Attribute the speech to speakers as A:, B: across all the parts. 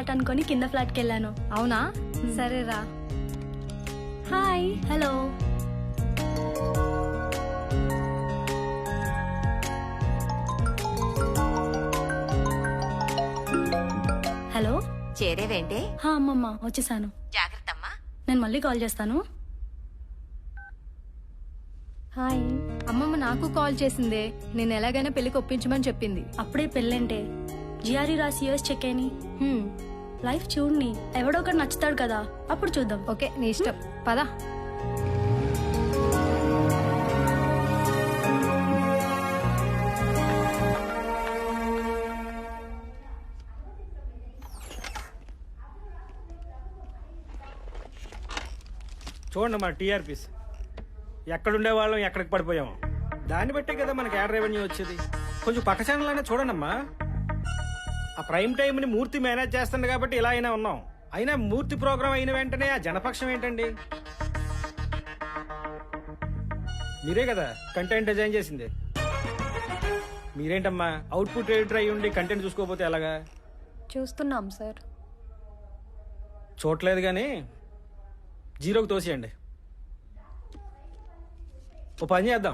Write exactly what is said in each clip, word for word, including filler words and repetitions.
A: Flat అనుకొని కింద ఫ్లాట్కి వెళ్ళాను.
B: అవునా? సరేరా.
A: హాయ్. హలో. హలో.
C: చేరేవేంటే?
A: హా అమ్మమ్మ వచ్చేసాను.
C: జాగ్రత్త అమ్మా.
A: నేను మళ్ళీ కాల్ చేస్తాను.
B: హాయ్. అమ్మమ్మ నాకు కాల్ చేసిందే. నేను ఎలాగైనా పెళ్లికి ఒప్పించమని చెప్పింది.
A: అప్పుడే పెళ్ళంటే జిఆర్ఈ రాసి యూఎస్ చెక్ అయిని లైఫ్ చూడని ఎవడో ఒకటి నచ్చుతాడు కదా, అప్పుడు చూద్దాం.
B: ఓకే నీ ఇష్టం, పదా.
D: చూడండి మన టీఆర్పీస్ ఎక్కడుండే వాళ్ళం ఎక్కడికి పడిపోయాము. దాన్ని బట్టే కదా మనకి యాడ్ రెవెన్యూ వచ్చేది. కొంచెం పక్క ఛానల్ అయినా చూడండమ్మా. ఆ ప్రైమ్ టైంని మూర్తి మేనేజ్ చేస్తుంది కాబట్టి ఇలా అయినా ఉన్నాం. అయినా మూర్తి ప్రోగ్రామ్ అయిన వెంటనే ఆ జనపక్షం ఏంటండి? మీరే కదా కంటెంట్ డిజైన్ చేసింది. మీరేంటమ్మా అవుట్పుట్ ఎడిటర్ అయ్యి ఉండి కంటెంట్ చూసుకోకపోతే ఎలాగా?
B: చూస్తున్నాం సార్.
D: చూడలేదు కానీ జీరోకి తోసేయండి. ఓ పని చేద్దాం,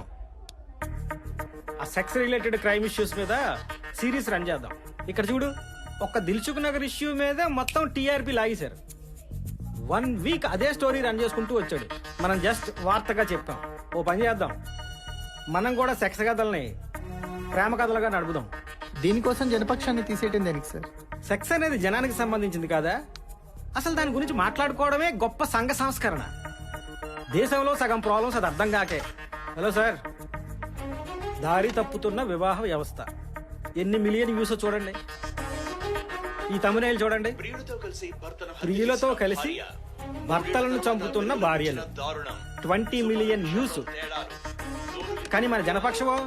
D: ఆ సెక్స్ రిలేటెడ్ క్రైమ్ ఇష్యూస్ మీద సిరీస్ రన్ చేద్దాం. ఇక్కడ చూడు, ఒక్క దిల్సుఖ్ నగర్ ఇష్యూ మీద మొత్తం టీఆర్పీ లాగేశారు. వన్ వీక్ అదే స్టోరీ రన్ చేసుకుంటూ వచ్చాడు. మనం జస్ట్ వార్తగా చెప్పాం. ఓ పని చేద్దాం, మనం కూడా సెక్స్ కథల్ని ప్రేమ కథలుగా నడుపుదాం.
E: దీనికోసం జనపక్షాన్ని తీసేయటం దేనికి సార్?
D: సెక్స్ అనేది జనానికి సంబంధించింది కాదా? అసలు దాని గురించి మాట్లాడుకోవడమే గొప్ప సంఘ సంస్కరణ. దేశంలో సగం ప్రాబ్లమ్స్ అది అర్థం కాకే. హలో సార్, దారి తప్పుతున్న వివాహ వ్యవస్థ ఎన్ని మిలియన్ వ్యూస్ చూడండి. ఈ తమిళనాడు చూడండి, ప్రియులతో కలిసి భర్తలను చంపుతున్న భార్యలు, ట్వంటీ మిలియన్ వ్యూస్. కానీ మన జనపక్షమో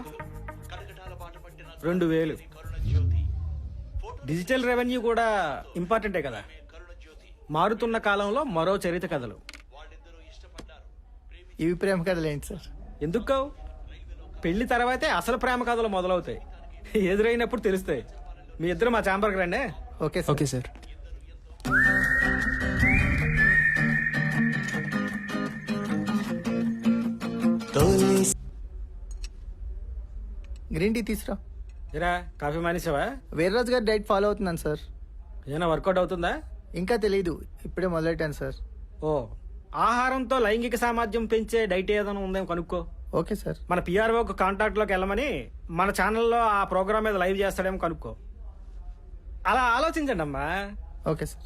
D: రెండు వేలు. డిజిటల్ రెవెన్యూ కూడా ఇంపార్టెంటే కదా. మారుతున్న కాలంలో మరో చరిత్ర కథలు.
E: ఇవి ప్రేమ కథలు ఏంటి సార్?
D: ఎందుకు కావు? పెళ్లి తర్వాతే అసలు ప్రేమ కథలు మొదలవుతాయి. ఎదురైనప్పుడు తెలుస్తాయి. మీ ఇద్దరు మా ఛాంబర్కి రండి.
E: Okay sir.
F: Okay sir.
E: Green tea తీసురా.
D: ఇరా కాఫీ మానేసావా?
E: వీర్రాజు గారు డైట్ ఫాలో అవుతున్నాను సార్.
D: ఏమైనా వర్కౌట్ అవుతుందా?
E: ఇంకా తెలియదు, ఇప్పుడే మొదలెట్టాను సార్.
D: ఓ, ఆహారంతో లైంగిక సామర్థ్యం పెంచే డైట్ ఏదైనా ఉందేమో కనుక్కో.
E: Okay sir.
D: మన పిఆర్ఓకి కాంటాక్ట్ లోకి వెళ్ళమని మన ఛానల్లో ఆ ప్రోగ్రామ్ మీద లైవ్ చేస్తాడేమో కనుక్కో. అలా ఆలోచించండి అమ్మా.
E: Okay sir.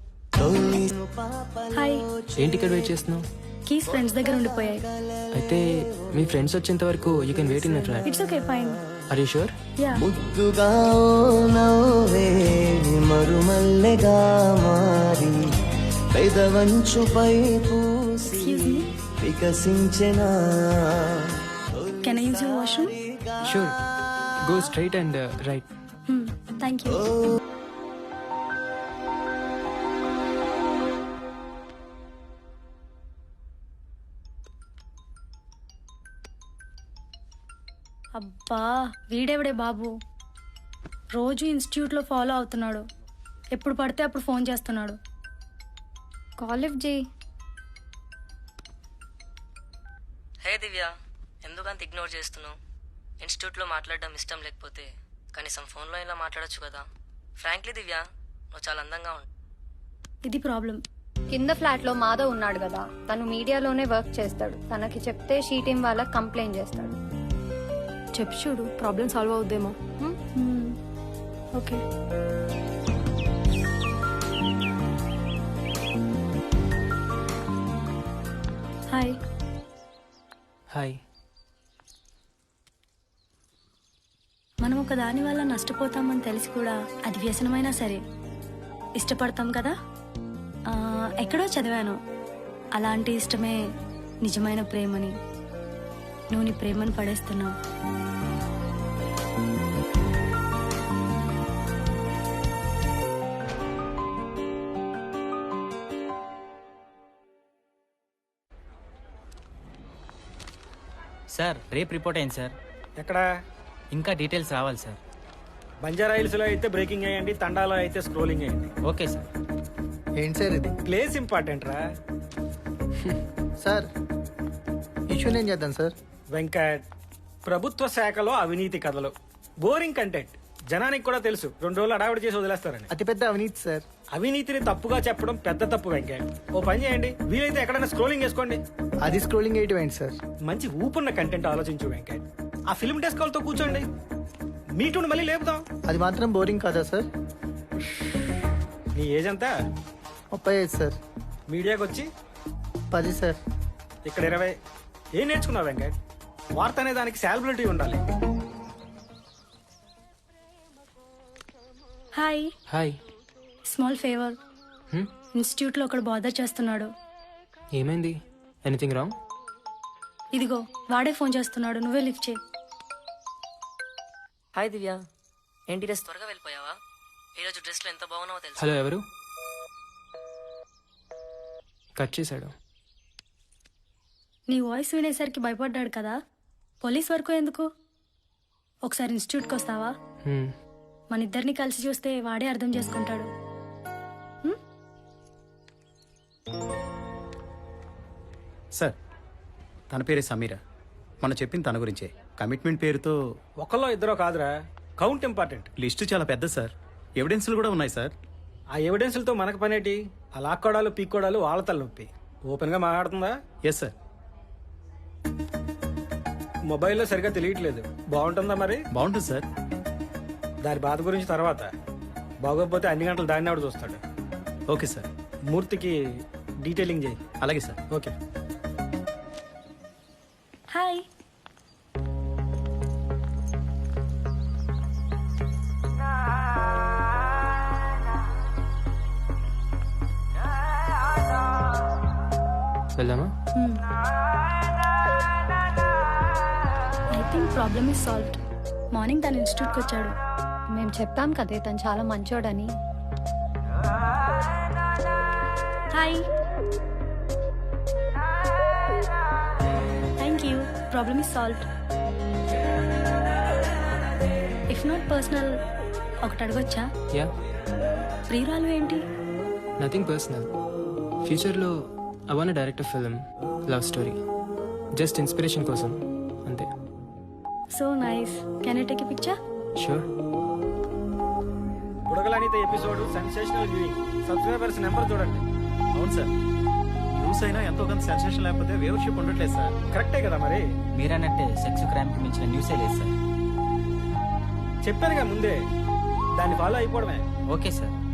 A: హాయ్.
F: ఏంటి ఇక్కడ వెయిట్ చేస్తున్నావు?
A: కీస్ ఫ్రెండ్స్ దగ్గర ఉండిపోయాయి.
F: అయితే మీ ఫ్రెండ్స్ వచ్చేంత వరకు you can wait in the track.
A: It's okay, fine.
F: Are you sure?
A: Yeah.
G: ముద్దుగా నవ్వే మరుమల్లెగా మారి పెదవంచుపై పూసి
A: ఎక్స్క్యూజ్ మీ,
G: వికసించెనా.
A: Can I use your washroom?
F: Sure, go straight and right.
A: Thank you. అబ్బా, వీడెవడే బాబు, రోజు ఇన్స్టిట్యూట్లో ఫాలో అవుతున్నాడు. ఎప్పుడు పడితే అప్పుడు ఫోన్ చేస్తున్నాడు.
B: కాల్ లిఫ్ట్ చేయి.
H: హే దివ్య, ఎందుకంత ఇగ్నోర్ చేస్తున్నావు? ఇన్స్టిట్యూట్లో మాట్లాడడం ఇష్టం లేకపోతే కనీసం ఫోన్లో ఇలా మాట్లాడొచ్చు కదా. ఫ్రాంక్లీ దివ్య, నువ్వు చాలా అందంగా ఉంటావు.
A: ఇది ప్రాబ్లం.
B: కింద ఫ్లాట్ లో మాధవ్ ఉన్నాడు కదా, తను మీడియాలోనే వర్క్ చేస్తాడు. తనకి చెప్తే షీ టీం వాళ్ళకి కంప్లైంట్ చేస్తాడు. చెప్పు చూడు, ప్రాబ్లం సాల్వ్ అవుద్దేమో.
A: ఓకే. హాయ్.
F: హాయ్.
A: మనం ఒక దాని వల్ల నష్టపోతామని తెలిసి కూడా అది వ్యసనమైనా సరే ఇష్టపడతాం కదా. ఆ, ఎక్కడో చదివాను, అలాంటి ఇష్టమే నిజమైన ప్రేమని. నువ్వు నీ ప్రేమను పడేస్తున్నావు.
I: సార్, రేపు రిపోర్ట్ అయింది సార్.
D: ఎక్కడ?
I: ఇంకా డీటెయిల్స్ రావాలి సార్.
D: బంజారా హిల్స్ లో అయితే బ్రేకింగ్ అయ్యండి, తండాలో అయితే స్క్రోలింగ్ అయ్యండి.
I: Okay sir.
E: ఏంటి సార్ ఇది?
D: ప్లేస్ ఇంపార్టెంట్ రా.
E: సార్ ఇష్యూ నేను చేద్దాం సార్.
D: వెంకట్, ప్రభుత్వ శాఖలో అవినీతి కథలు, బోరింగ్ కంటెంట్, జనానికి కూడా తెలుసు, రెండు రోజులు అడావిడి చేసి వదిలేస్తారని.
E: అతిపెద్ద అవినీతి సార్.
D: అవినీతిని తప్పుగా చెప్పడం పెద్ద తప్పు వెంకట్. ఓ పని చేయండి, వీలైతే ఎక్కడైనా స్క్రోలింగ్ చేసుకోండి.
E: అది స్క్రోలింగ్ ఎయిట్ ఏంటి సార్?
D: మంచి ఊపున్న కంటెంట్ ఆలోచించు వెంకట్. ఆ ఫిల్మ్ డెస్క్ వాళ్ళతో కూర్చోండి, మీటూని మళ్ళీ లేపుదాం.
E: అది మాత్రం బోరింగ్ కాదా సార్?
D: నీ ఏజ్ అంతా?
E: ముప్పై ఐదు సార్.
D: మీడియాకి వచ్చి
E: పది సార్.
D: ఇక్కడ ఇరవై. ఏం నేర్చుకున్నావు వెంకట్? వార్త అనే దానికి సాలబిలిటీ ఉండాలి.
A: Hi,
F: hi.
A: Small favour.
F: Hmm?
A: Institute లో ఒకడు బాధ చేస్తున్నాడు.
F: ఏమైంది? Anything wrong?
A: ఇదిగో వాడే ఫోన్ చేస్తున్నాడు, నువ్వే లిఫ్ట్ చేయి.
H: హాయ్ దివ్య, ఏంటి డ్రెస్ త్వరగా వెళ్ళిపోయావా? ఈరోజు డ్రెస్లో ఎంత బాగున్నావో తెలుసు.
F: హలో, ఎవరు? కట్ చేశాడు.
A: నీ వాయిస్ వినేసరికి భయపడ్డాడు కదా, పోలీస్ వరకు ఎందుకు? ఒకసారి ఇన్స్టిట్యూట్కి వస్తావా?
F: హ్మ్.
A: మన ఇద్దరిని కలిసి చూస్తే వాడే అర్థం చేసుకుంటాడు.
I: సార్, తన పేరే సమీర. మనం చెప్పింది తన గురించే. కమిట్మెంట్ పేరుతో
D: ఒకళ్ళో ఇద్దరో కాదురా, కౌంట్ ఇంపార్టెంట్.
I: లిస్టు చాలా పెద్ద సార్. ఎవిడెన్స్లు కూడా ఉన్నాయి సార్.
D: ఆ ఎవిడెన్స్లతో మనకు పనేటి? ఆ లాక్కోడాలు పీక్కోడాలు వాళ్ళ తలనొప్పి. ఓపెన్ గా మాట్లాడుతుందా?
I: Yes sir.
D: మొబైల్లో సరిగా తెలియట్లేదు, బాగుంటుందా మరి?
I: బాగుంటుంది సార్.
D: దాని బాధ గురించి తర్వాత. బాగోకపోతే అన్ని గంటలు దాన్ని ఆవిడ చూస్తాడు.
I: Okay sir.
D: మూర్తికి డీటెయిలింగ్ చేయి.
I: అలాగే సార్.
D: ఓకే.
A: హాయ్.
F: వెళ్దామా?
A: I think problem is solved. Morning తన ఇన్స్టిట్యూట్కి వచ్చాడు.
B: మేము చెప్పాం కదే తను చాలా మంచోడని.
A: Hi. Thank you, problem is solved. If not personal, ఒకటి అడగొచ్చా?
F: యా.
A: ప్రియురాలు ఏంటి?
F: Nothing personal. ఫ్యూచర్లో I want direct film, love story. Just inspiration కోసం అంతే.
A: So nice. Can I take a picture?
F: Sure.
D: బుడగలనిత episode sensational viewing. Subscribers number చూడండి.
I: అవును సార్. న్యూస్ అయినా ఎంతో కొంత సెన్సేషన్ లేకపోతే వ్యూవర్షిప్ ఉండట్లేదు సార్.
D: కరెక్టే కదా మరి?
J: మీరన్నట్టే సెక్స్ క్రైమ్ కి మించిన న్యూసే లేదు సార్.
D: చెప్పానుగా ముందే, దాన్ని ఫాలో అయిపోవడమే.
J: Okay sir.